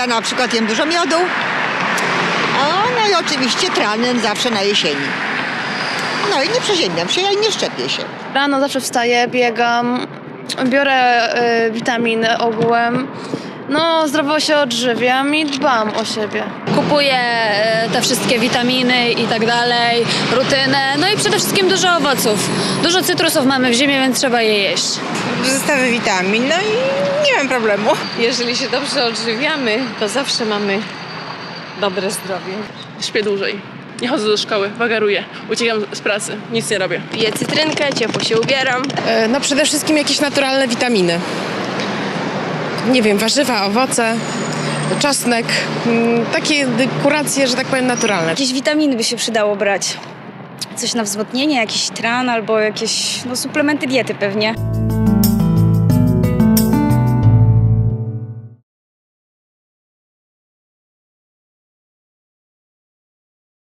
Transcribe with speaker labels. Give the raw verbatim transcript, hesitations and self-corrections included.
Speaker 1: Ja na przykład jem dużo miodu. A, no i oczywiście tranen zawsze na jesieni. No i nie przeziębiam się, ja i nie szczepię się.
Speaker 2: Rano zawsze wstaję, biegam, biorę y, witaminy ogółem. No, zdrowo się odżywiam i dbam o siebie.
Speaker 3: Kupuję e, te wszystkie witaminy i tak dalej, rutynę, no i przede wszystkim dużo owoców. Dużo cytrusów mamy w zimie, więc trzeba je jeść.
Speaker 4: Zestawy witamin, no i nie mam problemu.
Speaker 5: Jeżeli się dobrze odżywiamy, to zawsze mamy dobre zdrowie.
Speaker 6: Śpię dłużej. Nie chodzę do szkoły, wagaruję, uciekam z pracy, nic nie robię.
Speaker 5: Piję cytrynkę, ciepło się ubieram.
Speaker 7: No przede wszystkim jakieś naturalne witaminy. Nie wiem, warzywa, owoce, czosnek, mm, takie kuracje, że tak powiem, naturalne.
Speaker 8: Jakieś witaminy by się przydało brać. Coś na wzmocnienie, jakiś tran albo jakieś no, suplementy diety pewnie.